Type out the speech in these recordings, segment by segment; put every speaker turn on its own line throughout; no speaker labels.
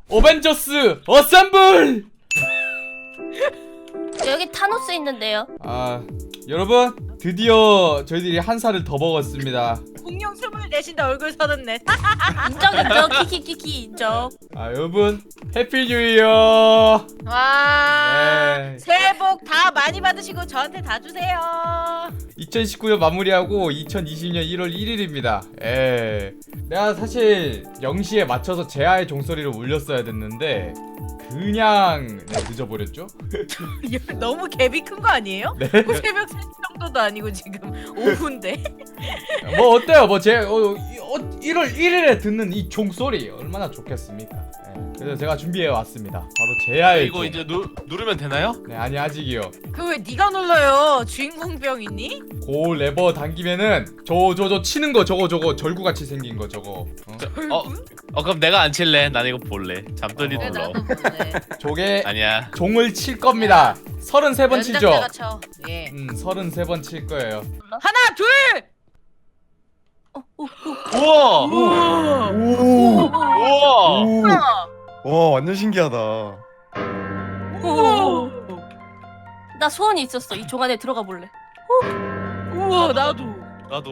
어벤져스 어셈블!
여기 타노스 있는데요.
아, 여러분 드디어 저희들이 한 살을 더 먹었습니다.
공룡 24인데 얼굴 34.
인정 키키키키 인정.
아, 여러분 해피 뉴 이어.
와.
네.
새해 복 다 많이 받으시고 저한테 다 주세요.
2019년 마무리하고 2020년 1월 1일입니다. 예. 내가 사실 0시에 맞춰서 제아의 종소리를 울렸어야 됐는데 그냥 늦어버렸죠?
너무 갭이 큰 거 아니에요?
네.
새벽 3시 정도도 아니고 지금 오후인데.
뭐 어때요? 뭐 제 1월 1일에 듣는 이 종소리 얼마나 좋겠습니까? 예. 그래서 제가 준비해 왔습니다. 바로 제아의
이거
종.
이제 누르면 되나요?
네, 아니 아직이요.
그 왜 네가 눌러요? 주인공병 있니?
고 레버 당기면은 저 치는 거 저거 절구같이 생긴 거 저거.
그럼 내가 안 칠래. 난 이거 볼래. 잠들이
어.
눌러.
나도 보네.
저게
아니야.
종을 칠 겁니다. 33번 치죠?
연장자가 쳐. 예.
33번 칠 거예요.
하나 둘.
우와.
우와.
우와.
와 완전 신기하다.
우와.
나 소원이 있었어. 이 종 안에 들어가 볼래.
우와 나도.
나도.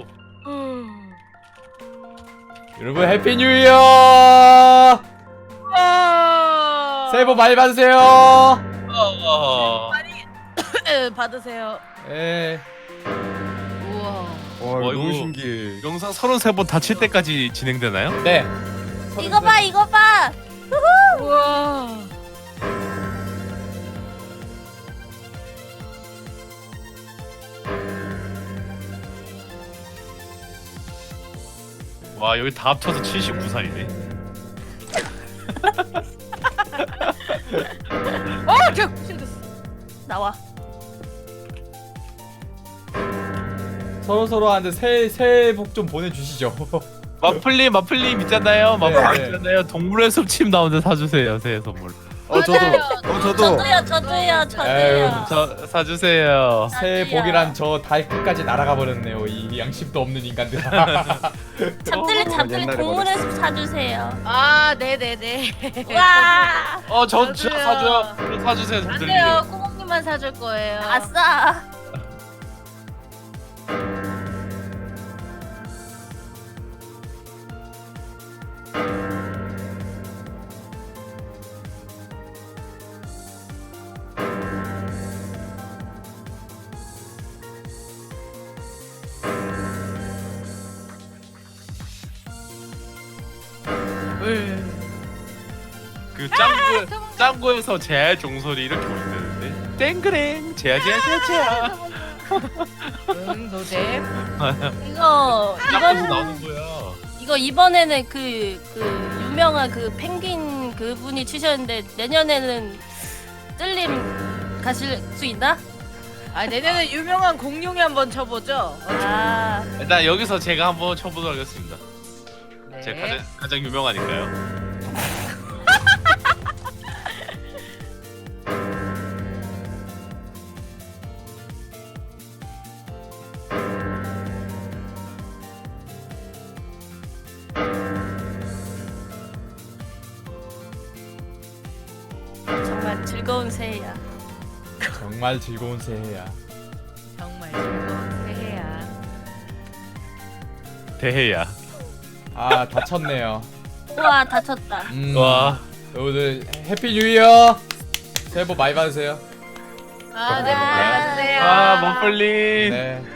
여러분 해피 뉴 이어! 새해 복 많이 받으세요.
받으세요.
예.
우와.
와
와,
너무
이거-
신기해.
영상 33번 다 칠 때까지 진행되나요?
네.
이거 봐 이거 봐.
우와.
와, 여기 다 합쳐서 79살이네.
저 실드.
나와.
서로한테 새해 복 좀 보내주시죠.
마플님 있잖아요.
네,
마플
네.
있잖아요. 동물의 숲침 나오는데 사주세요. 새해 선물.
저도. 저도.
저도요.
에휴,
저 사주세요.
새해 복이란 저 달 끝까지 날아가 버렸네요. 이 양심도 없는 인간들.
잠들이
옛날에
동물의 숲 사주세요.
아 네네네.
와.
저 진짜
저도요.
사줘요. 저 사주세요.
안
잠들님.
돼요. 꼬몽님만 사줄 거예요.
아싸.
그 짱구에서 제아의 종소리 이렇게 울리는데 땡그랭 제아.
응 노잼.
이거
짱구에서 나오는 거야.
이거 이번에는 그 유명한 그 펭귄 그분이 치셨는데 내년에는 뜰림 가실 수 있나?
아 내년에 유명한 공룡이 한번 쳐보죠.
아.
일단 여기서 제가 한번 쳐보도록 하겠습니다.
네.
제가 가장 유명하니까요.
정말 즐거운 새해야.
정말 즐거운 새해야.
정말 즐거운 새해야.
대해야.
아, 다쳤네요.
우와 다쳤다.
와.
여러분들 해피 뉴 이어. 새해 복 많이 받으세요.
아, 네, 복
아.
많이 받으세요.
아, 머플님.
네.